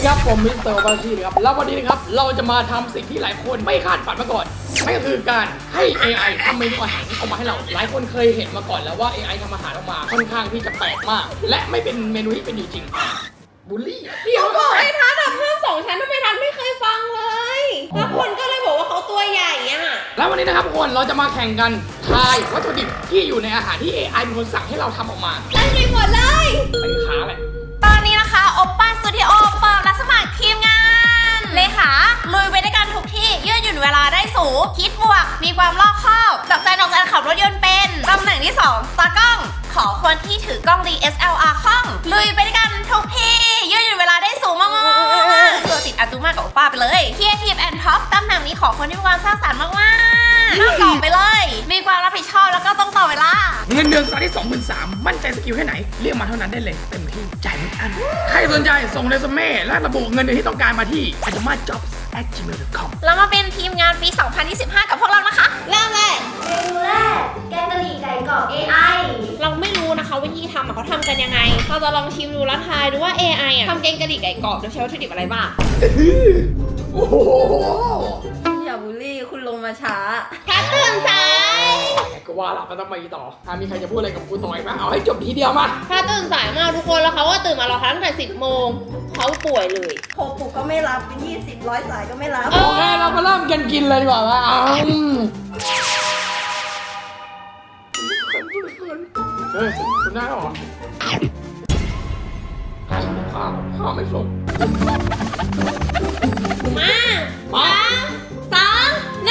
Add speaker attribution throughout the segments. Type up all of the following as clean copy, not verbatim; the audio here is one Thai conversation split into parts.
Speaker 1: ครับผมมิสเตอร์บาชีครับแล้ววันนี้นะครับเราจะมาทำสิ่งที่หลายคนไม่คาดฝันมาก่อนนั่นก็คือการให้ AI ทำเมนูอาหารออกมาให้เราหลายคนเคยเห็นมาก่อนแล้วว่า AI ทำอาหารออกมาค่อนข้างที่จะแปลกมากและไม่เป็นเมนูที่เป็นอยู่จริงบูลลี่
Speaker 2: เดี๋ยวบอกไอ้ทัศน์เพิ่ม2 ชั้นทำไมทัศน์ไม่เคยฟังเลยแล้วคนก็เลยบอกว่าเขาตัวใหญ่อะ
Speaker 1: แล้ววันนี้นะครับทุกคนเราจะมาแข่งกันทายวัตถุดิบที่อยู่ในอาหารที่ AI เป็นคนสั่งให้เราทำออกมา
Speaker 2: ได้ไปหมดเลย
Speaker 1: เป็นค้าแหละ
Speaker 3: ตอนนี้นะคะโอปป้าสตูดิโอเปิดรับสมัครทีมงานเลยค่ะลุยไปด้วยกันทุกที่ยืดหยุ่นเวลาได้สูงคิดบวกมีความรอบคอบจับใจนอกใจขับรถยนต์เป็นตำแหน่งที่2ตากล้องขอคนที่ถือกล้อง DSLR คล่องลุยไปด้วยกันทุกที่ยืดหยุ่นเวลาได้สูงมากๆตัวติดอัตุมากับโอปป้าไปเลยเคียร์ทีมแอนท็อปตำแหน่งนี้ขอคนที่มีความสร้างสรรค์มากๆนอกกรอบไปเลยมีความรับผิดชอบแล้วก็ต้องต่อเวลา
Speaker 1: เงินเดือนสตาร์ทที่ 23,000 มั่นใจสกิลแค่ไหนเรียกมาเท่านั้นได้เลยเต็มที่จ่ายไม่อั้นใครสนใจส่งเรซูเม่และระบุเงินเดือนที่ต้องการมาที่ adamajobs@gmail.com
Speaker 3: เรามาเป็นทีมงานปี 2025 กับพวกเรานะคะ
Speaker 2: เริ่มเลย
Speaker 4: เมนูแรกแกงกะหรี่ไก่กรอบ AI
Speaker 2: เราไม่รู้นะคะวิธีทำเขาทำกันยังไงเราจะลองชิมดูแล้วทายดูว่า AI ทำแกงกะหรี่ไก่กรอบโดยใช้วัตถุดิบอะไรบ้าง
Speaker 1: โอ้โห
Speaker 2: อย่าบูลลี่คุณลงมาช้าพัดตื่นสาย
Speaker 1: ก็ว่าละมันต้องไปต่อมีใครจะพูดอะไรกับกูต่อยไหมเอาให้จบทีเดียวมา
Speaker 2: พัดตื่นสายมากทุกคนแล้วเขาก็ตื่นมารอตั้งแต่10 โมงเขาป่วยเลย
Speaker 4: โทรปลุกก็ไม่รับเป็น20 100 สายก็ไม่รับ
Speaker 1: โอเคเรามาเริ่มกันกินเลยดีกว่าว่าเฮ้ยคุณได้หรอข้าวไม่สุก
Speaker 2: มา3 2 1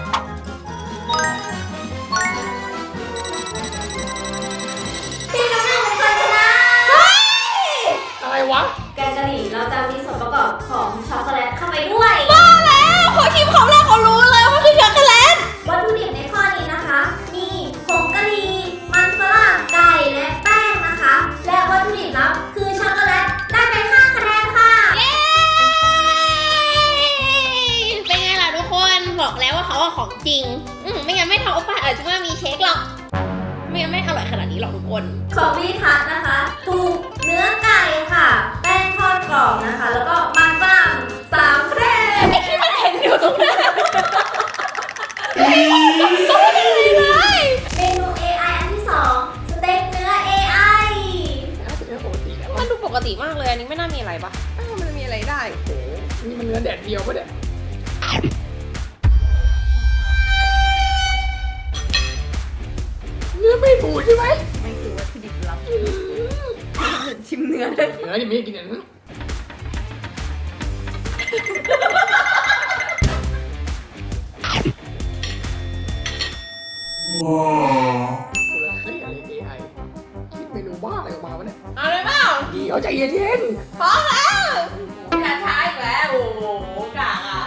Speaker 4: พี่น้องหนึ่งเป็นคนชนะ
Speaker 1: อะไรวะ
Speaker 4: แกงกะหรี่เราจะมีส่วนประกอบของช็อกโกแลตเข้าไปด้วย
Speaker 2: มาแล้วขอชิมของแรกเขารู้เลยว่าคือช็อกโกแลต
Speaker 4: วัตถุดิบในข้อนี้นะคะมีผงกะหรี่มันฝรั่งไก่และแป้งนะคะและวัตถุดิบลับคือช็อกโกแลตได้ไป5 คะแนนค่ะ
Speaker 2: เย้เป็นไงล่ะทุกคนบอกแล้วว่าเขาของจริงไม่งั้นไม่ทำโอป้าอาจจะว่ามีเค้กหรอกไม่งั้นไม่อร่อยขนาดนี้หรอกทุกคน
Speaker 4: ของพี่ทัศน์นะคะถูกเนื้อไก่ค่ะแป้งทอดกรอบนะคะแล้วก็มันฝรั่ง3 คะแนน
Speaker 2: ไอ้ที่มันเห็นอยู่ตรงนั้น
Speaker 4: เมนู AI อันที่ 2สเต็กเนื้อ AI
Speaker 2: มันดูปกติมากเลยอันนี้ไม่น่ามีอะไรปะมันมีอะไรได้
Speaker 1: โอ้นี่มันเนื้อแดดเดียวปะเนี่ยเนื้อไม่บูดใช่ไหม
Speaker 4: ไม่คือวัตถุดิบลับชิมเนื้อเลย
Speaker 1: เนื้อนี่ไม่กินอย่างนั้นว้าวคิดเมนูบ้าอะไรออกมาวะเนี่ย
Speaker 2: เอาเลยเปล่า
Speaker 1: ดีเขาใจเย็น
Speaker 2: พร้อมแล้วอย่าช้าอีกแล้วโอ้โหกากอ่ะ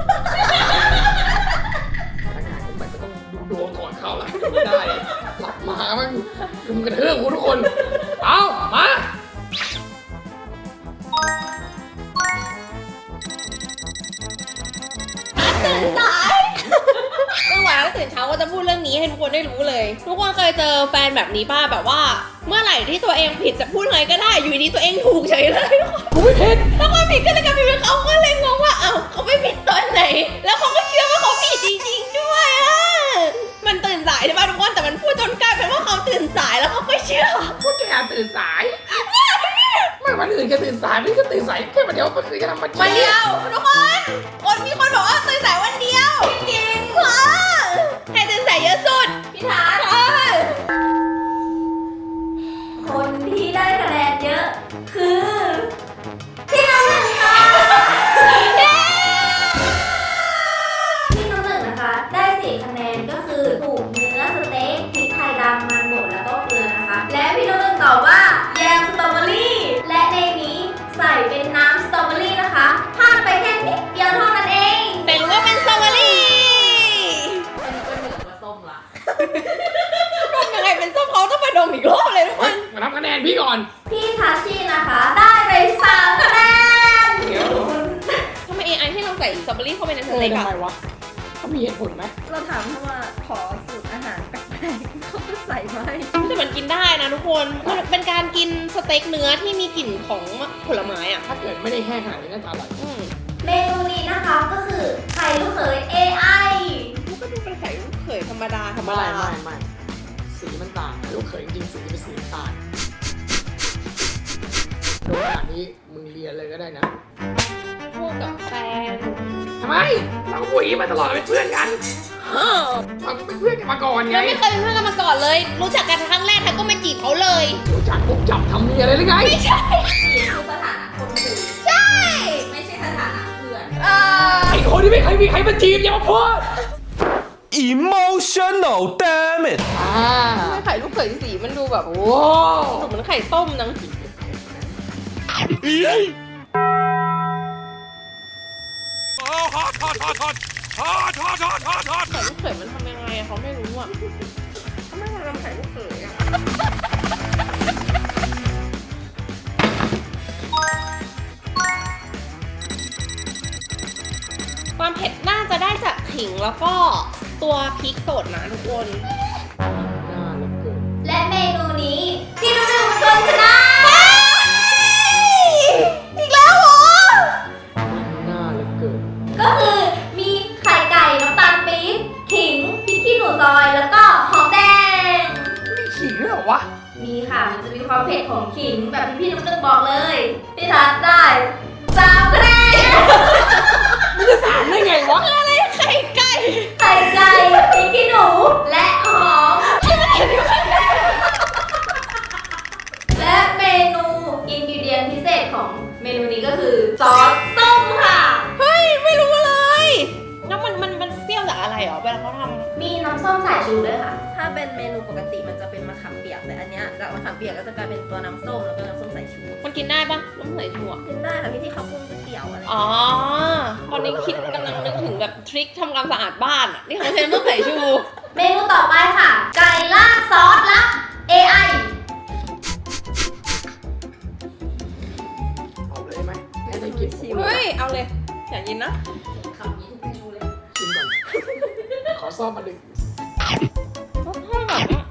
Speaker 1: พนักงานคนใหม่ก็ต้องดูดวงก่อนเข้าละไม่ได้หลับมามันลุมกระเทือกทุกคนเอามา
Speaker 2: ตื่นสายไม่ไหวแล้วตื่นเช้าก็จะพูดเรื่องนี้ให้ทุกคนได้รู้เลยทุกคนเคยเจอแฟนแบบนี้ป่ะแบบว่าเมื่อไหร่ที่ตัวเองผิดจะพูดไงก็ได้อยู่ดีตัวเองถูกเฉยเลย
Speaker 1: กูไม่ผิด
Speaker 2: แล้วคนผิดก็เลยกลายเป็นเขาก็เลยงงว่าเอ้าเขาไม่ผิดตอนไหนแล้วเขาก็เชื่อว่าเขาผิดจริงๆด้วยอ่ะมันตื่นสายใช่ป่ะทุกคนแต่มันพูดจนกลายเป็นว่าเขาตื่นสายแล้วเขาก็เชื่อ
Speaker 1: พวกแกตื่นสายไม่วันอื่นแกตื่นสายนี่ก็ตื่นสายแค่วันเดียวมันคือแค่ทำ
Speaker 2: วันเดียวทุกคนมีคนบอกว่าตื่นสายวันเดียวจริงๆใครตื่นสายเยอะสุด
Speaker 4: พี่ทัศน์คนที่ได้คะแนนเยอะคือพี่น้องหนึ่งค่ะพี่น้องหนึ่งนะคะได้4 คะแนนก็คือถูกเนื้อสเต็กพริกไทยดำมันบดแล้วก็เกลือนะคะและพี่น้องหนึ่งตอบว่าแยมสตรอเบอรี่และในนี้ใส่เป็นน้ำสตรอเบอรี่นะคะพลาดไปแค่นิดเดียวเท่านั้นเอง
Speaker 2: แต่รู้ว่าเป็นสตรอเบอรี่ยังไงเป็นส้มเขาต้องมาดมอีกรอบเลยทุกคน
Speaker 1: มาทำคะแนนพี่ก่อน
Speaker 4: พี่ทาชินะคะได้ไป3 คะแนน
Speaker 2: ทำไม AI ให้เราใส่สตรอเบอรี่เข้าไปในสเต็กอะ
Speaker 1: ทำไมวะเขามีเหตุผลไหม
Speaker 4: เราถามเขาว่าขอสูตรอาหารแปลกๆเขาก็ใส่มาให้
Speaker 2: แต่มันกินนได้นะทุกคนมันเป็นการกินสเต็กเนื้อที่มีกลิ่นของผลไม้อ่ะ
Speaker 1: ถ้าเกิดไม่ได้แห้งขนาดนี้น่าจะอร่อย
Speaker 4: เมนูนี้นะคะก็คือไข่ลูกเขย AI
Speaker 2: มันก็ดูเป็นไข่ลูกเขยธรรมดาธรรม
Speaker 1: ไม่
Speaker 2: ดา
Speaker 1: ไม่สีมันต่างลูกเขยจริงๆสีเป็นสีน้ำตาลโดยขนาดนี้มึงเรียนเลยก็ได้นะ
Speaker 2: พูดกับแฟน
Speaker 1: ทำไมเราคุยมาตลอดเป็นเพื่อนกันเราเป็นเพื่อนกันมาก่อนไง
Speaker 2: เราไม่เคยเป็นเพื่อนกันมาก่อนเลย รู้จักกันครั้งแรกเธอก็มาจีบเขาเลย
Speaker 1: รู้จักปุ๊บจับทำเมียอะไรหรือไง
Speaker 2: ไม่ใช่
Speaker 4: นี่คือสถานะคนคุย
Speaker 2: ใช่
Speaker 4: ไม่ใช่สถานะเพื่อน
Speaker 1: ไอ้คนที่ไม่เคยมีใครมาจีบอย่ามาพูด
Speaker 5: Emotional damn it
Speaker 2: ทำไมไข่ลูกเขยสีมันดูแบบ
Speaker 1: โอ้
Speaker 2: เหมือนไข่ต้มนังไข่ลูกเขยมันทำยังไงอะเขาไม่รู้อะเขาไม่ทำไข่ลูกเขยอะความเผ็ดน่าจะได้จากขิงแล้วก็ตัวพริกสดนะทุกคน
Speaker 1: น่ารักเกิน
Speaker 4: และเมนูนี้พี่น้ำหนึ่งเป็นคนชนะอีกแล้วเหรอ
Speaker 1: น่ารักเกิน
Speaker 4: ก็คือมีไข่ไก่น้ำตาลปี๊บขิงพริกขี้หนูซอยแล้วก็หอมแดง
Speaker 1: มีขิงด้วยเหรอวะ
Speaker 4: มีค่ะ มันจะมีความเผ็ดของขิงแบบที่พี่น้ำหนึ่งบอกเลย พี่ทัศน์ได้3คะแนน
Speaker 1: มันจะถามได้ไงวะ
Speaker 2: อะไรไข่ไก่
Speaker 4: ไข่ไก่พริกขี้หนูและหอม และเมนูอินกิวเดียนพิเศษของเมนูนี้ก็คือซอสส้มค่ะ
Speaker 2: เฮ้ยไม่รู้เลยแล้วมันเปรี้ยวจากอะไรเหรอเวลาเขาทำ
Speaker 4: มีน้ำส้มสายชูด้วยค่ะ
Speaker 6: ถ้าเป็นเมนูปกติมันจะเป็นมะขามเปียกแต่อันเนี้ยจากมะขามเปียกก็จะกลายเป็นตัวน้ำส้มแล้วก็น้ำส้มสายชู
Speaker 2: มันกินได้ปะน้ำใส่ถั่ว
Speaker 6: กินได้ค่ะพี่ที่เขาปรุงก๋วยเตี๋ยวอะไร
Speaker 2: อ๋อตอนนี้คิดกำลังนึกถึงแบบทริคทำความสะอาดบ้านอะที่เขาใช้น้ำส้มสายชู
Speaker 4: เมนูต่อไปค่ะ ไก่ราดซอสลับ AI
Speaker 1: เอาเลยไหมแม่ได้กินผม
Speaker 2: เฮ้ยเอาเลยอยากกินนะ
Speaker 4: คำนี้ทุกเมนูเลย
Speaker 1: กินก่อน ขอซ่อมมาดึง
Speaker 2: รสชาติแบบว่า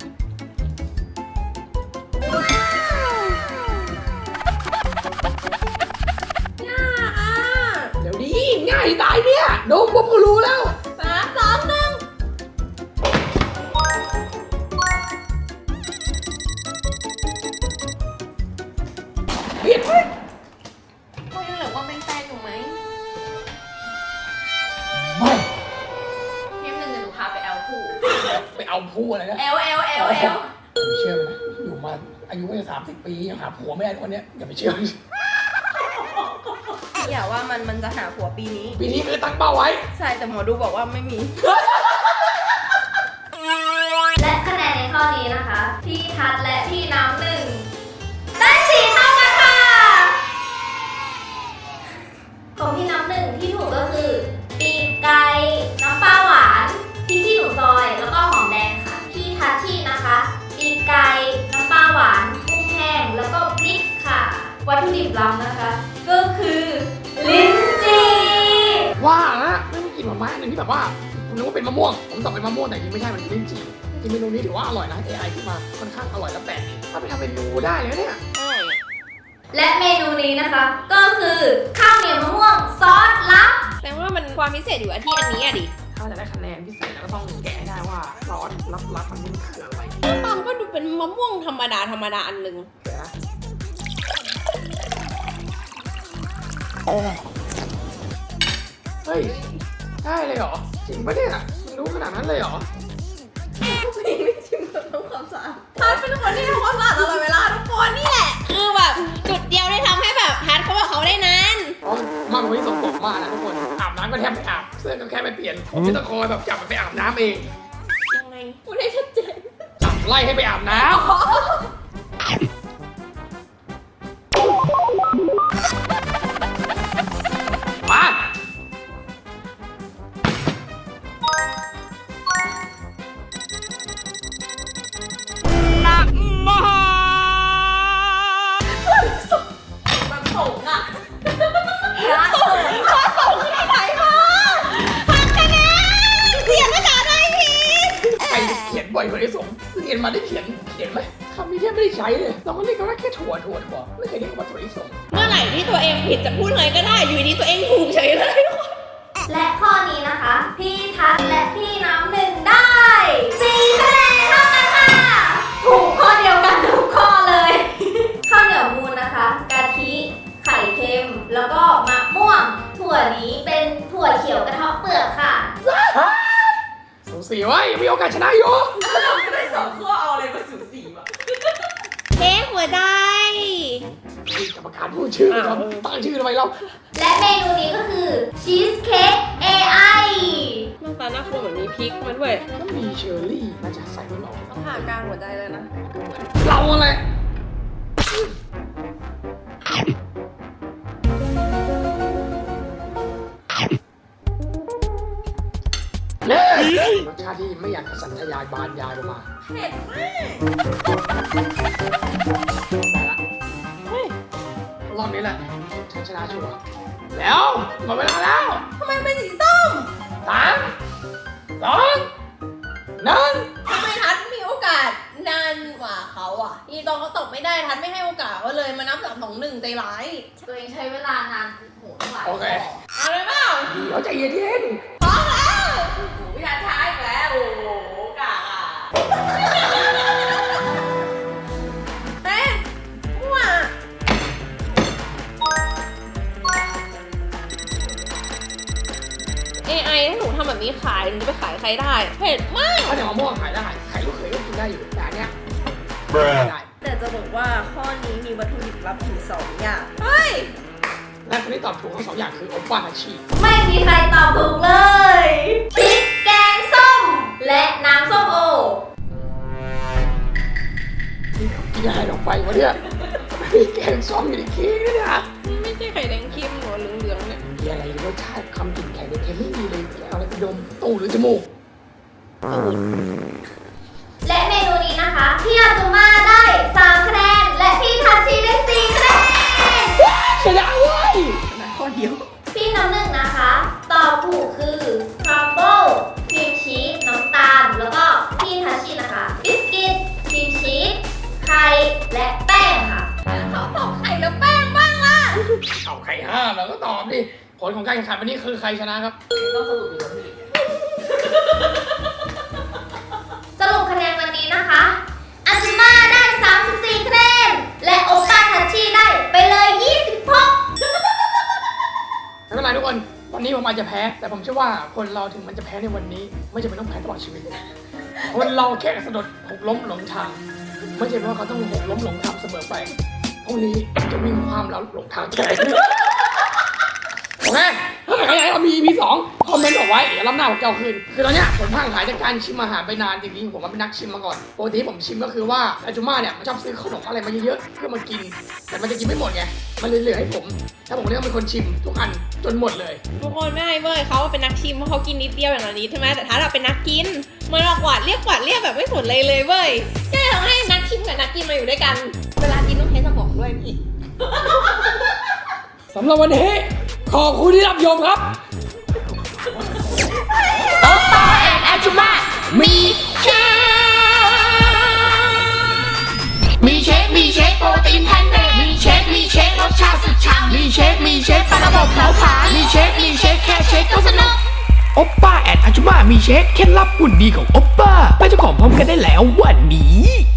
Speaker 1: เดี๋ยวดีง่ายตายเนี่ยโดมผมก็รู้แล้ว
Speaker 2: 3 2 1
Speaker 1: เผ็ด
Speaker 2: ก็ยังเหลือความเป็นแฟนอยู่ไหม
Speaker 1: ไม่
Speaker 6: พี่หนึ่งจะหนูพาไปแอลคู่
Speaker 1: ไปเอาผู้อะไรนะ
Speaker 6: แอล
Speaker 1: ไม่เชื่อมันนะอยู่มาอายุก็จะ30 ปียังหาผัวไม่ได้ทุกวันเนี้ยอย่าไปเชื่อ
Speaker 6: อย่าว่ามันจะหาผัวปีนี้
Speaker 1: ปีนี้คือตั้งเป้าไว้
Speaker 6: ใช่แต่หมอดูบอกว่าไม่มี
Speaker 4: และคะแนนในข้อนี้นะคะ พี่ทัศน์และพี่น้ำหนึ่งได้4เท่ากันค่ะ ของพี่น้ำหนึ่งที่ถูกก็คือปีกไก่น้ำปลาหวานพริกขี้หนูซอยแล้วก็หอมแดงค่ะ พี่ทัชชี่นะคะปีกไก่น้ำปลาหวานกุ้งแห้งแล้วก็พริกค่ะ วัตถุดิบลับนะคะ ก็คือลิ้นจี่
Speaker 1: ว่านะไม่มีกลิ่นมะม่าหนึ่งที่แบบว่าผมนึกว่าเป็นมะม่วงผมตอบเป็นมะม่วงแต่จริงไม่ใช่มันเป็นลิ้นจี่จริงเมนูนี้ถือว่าอร่อยนะ AI ขึ้นมาค่อนข้างอร่อยและแปลกดีถ้าไปทำเมนูได้เลยเนี่ย
Speaker 4: และเมนูนี้นะคะ ก็คือข้าวเหนียวมะม่วงซอสลับ
Speaker 2: แต่ว่ามันความพิเศษอยู่ที่อันนี้อะดิ
Speaker 1: ถ้าจะได้คะแนนพิเศษแล้วก็ต้องแกะให้ได้ว่าซอสลับๆมันคืออะไร
Speaker 2: ตามก็ดูเป็นมะม่วงธรรมดาอันหนึง
Speaker 1: เดี๋ยวนะเฮ้ยได้เลยเหรอจริงปะเนี่ยมึงรู้ขนาดนั้นเลยเหรอ
Speaker 6: ไม่ชิมกับทำความสะอาดทานเป็นคนที่ทำความสะอาดตลอดเวลาทุกคนนี่แหละ
Speaker 2: คือแบบจุดเดียวได้ทำให้แบบฮัทเขาบอกเขาได้นาน
Speaker 1: เพราะมากกว่าที่สมบอกมากนะทุกคนอาบน้ำก็แทบไม่อาบเสื้อก็แค่ไม่เปลี่ยนผมไม่ต้องคอยแบบจับมันไปอาบน้ำเอง
Speaker 2: ยังไงพูดได้ชัดเจน
Speaker 1: จับไล่ให้ไปอาบน้ำมาใครเขียนบ่อยกว่าไอ้สมเรียนมาได้เขียนไหมคำนี้แทบไม่ได้ใช้เลยเราก็เรียกกันว่าแค่ถั่วไม่เคยเรียกว่าถั่วลิสง
Speaker 2: เมื่อไหร่ที่ตัวเองผิดจะพูดไงก็ได้อยู่ดีตัวเองถูกเฉยเลย
Speaker 4: และข้อนี้นะคะ พี่ทัศน์และพี่น้ำหนึ่งได้4คะแนนเท่ากันค่ะ ถูกข้อเดียวกันทุกข้อเลย ข้าวเหนียวมูนนะคะกะทิไข่เค็มแล้วก็มะม่วงถั่วนี้เป็นถั่วเขียวกระเทาะเปลือกค่ะ
Speaker 1: สูสีไว้ยังมีโอกาสชนะอยู่
Speaker 6: เราไม่ได้สองข้อเอาอะไรมาสูสีวะ
Speaker 2: เค้กหัวใจ
Speaker 1: กรรมการพูดชื่อครับตั้งชื่อทำไมเรา
Speaker 4: และเมนูนี้ก็คือชีสเค้ก AI
Speaker 2: หน้าตาหน้าครัวเหมือนมีพริกมันเว้ย
Speaker 1: ก็มีเชอร์รี่น่าจะใส่ไม่หมด
Speaker 6: ต้องผ่ากลางหัวใจเลยนะ
Speaker 1: เราอะไรเนี่ยรสชาติที่ไม่อยากจะสัญญาบานยายออกมา
Speaker 6: เผ็ดมาก
Speaker 1: ได้ละรอบนี้แหละฉันชนะชัวร์แล้วหมดเวลาแล้ว
Speaker 6: ทำไมเป็นสีส้ม
Speaker 1: 3 2 1
Speaker 6: ทำไมทัศน์มีโอกาสนานกว่าเขาอ่ะอีตอนเขาตอบไม่ได้ทัศน์ไม่ให้โอกาสเขาเลยมานับ3 2 1ใจร้าย
Speaker 4: ตัวเองใช้เวลานานโหหลาย
Speaker 1: โอเค
Speaker 6: เอาเลยเปล่า
Speaker 1: เดี๋ยวใจเย็น
Speaker 6: พร้อมแล้วโอ้โหพี่ทัศน์ช้าอีกแล้วโอ้โหกากอ่ะเฮ้ยมั่ว
Speaker 2: AI ถ้าหนูทำแบบนี้ขายหนูจะไปขายใครได้ เผ็ดมาก
Speaker 1: ๆข้าวเหนียวมะม่วงขายได้ไข่ลูกเขยก็กินได้อยู่แต่อันเนี้ยไม่ได้
Speaker 6: แต่จะบอกว่าข้อนี้มีวัตถุดิบลับถึง2 อย่าง เฮ้ย
Speaker 1: และคนที่ตอบถูกทั้งสองอย่างคือโอปป้าฮาชิ
Speaker 4: ไม่มีใครตอบถูกเลยพริกแกงส้ม และน้ำส้มโอ
Speaker 1: นี่เขากินอะไรลงไปวะเนี่ยมีแกงส้มอยู่ในเค้กด้วยเนี่ย
Speaker 2: นี่ไม่ใช่ไข่แดงเค็มหรอเหลืองๆเนี่ย
Speaker 1: มีอะไรรสชาติคำกลิ่นไข่ในเค็มไม่มีเลยเอาอะไรไปดมตู้หรือจมูก
Speaker 4: และเมนูนี้นะคะพี่อาจุมาได้3คะแนนและพี่ทัชชีได้4คะแนน
Speaker 1: ชนะเว้ย
Speaker 6: ข้อเดียว
Speaker 4: พี่น้ำหนึ่งนะคะตอบถูกคือครัมเบิลครีมชีสน้ำตาล แล้วก็พี่ทัชชีนะคะบิสกิตครีมชีสไข่และแป้งค่ะ
Speaker 6: เขาตอบไข่แล้วแป้งบ้างล่ะ
Speaker 1: เอาใครห้ามเราก็ตอบดิผลของการแข่งขันวันนี้คือใครชนะครับ
Speaker 4: สรุปคะแนนวันนี้นะคะอาจุมาได้34คะแนนและโอป้าทัชชีได้ไปเลย26
Speaker 1: ไม่เป็นไรทุกคนวันนี้ผมอาจจะแพ้ แต่ผมเชื่อว่าคนเราถึงมันจะแพ้ในวันนี้ ไม่จำเป็นต้องแพ้ตลอดชีวิตคนเราแค่สะดุดหกล้มหลงทางไม่ใช่เพราะว่าเขาต้องหกล้มหลงทางเสมอไปพรุ่งนี้จะวิ่งความแล้วหลงทางแค่ไหนโอเคถ้าใครอยากให้เรามี EP 2 คอมเมนต์บอกไว้เดี๋ยวรอบหน้าผมจะเอาคืนคือตอนเนี้ยผมห่างหายจากการชิมอาหารไปนานจริงๆผมเป็นนักชิมมาก่อนปกติที่ผมชิมก็คือว่าอาจุม่าเนี่ยมันชอบซื้อขนมอะไรมาเยอะๆเพื่อมากิน แต่มันจะกินไม่หมดไงมันเลยเหลือให้ผมถ้าผมเนี่ยเป็นคนชิมทุกอันจนหมดเลย
Speaker 2: ทุกคนไม่ให้เว้ยเขาเป็นนักชิมเพราะเขากินนิดเดียวอย่างละนิดใช่ไหมแต่ถ้าเราเป็นนักกินมันออกกวาดเรียกแบบไม่สนเลยเว้ยใช่ทำให้นักชิมกับนักกินมาอยู่ด้วยกัน เวลากินต้องใช้สมองด้วยพี่
Speaker 1: สำหรับวันนี้ขอบคุณที่รับชมครับ
Speaker 3: โอปป้าแอนอาจุมามีเชคโปรตีนแพนเนมีเชครสชาติสุดฉ่ำมีเชคปลาระบบเผาผลาญมีเชคแค่เชคก็สนุก
Speaker 1: โอปป้าแอนอาจุมามีเชคเคล็ดลับหุ่นดีของโอปป้าไปเจ้าของพร้อมกันได้แล้ววันนี้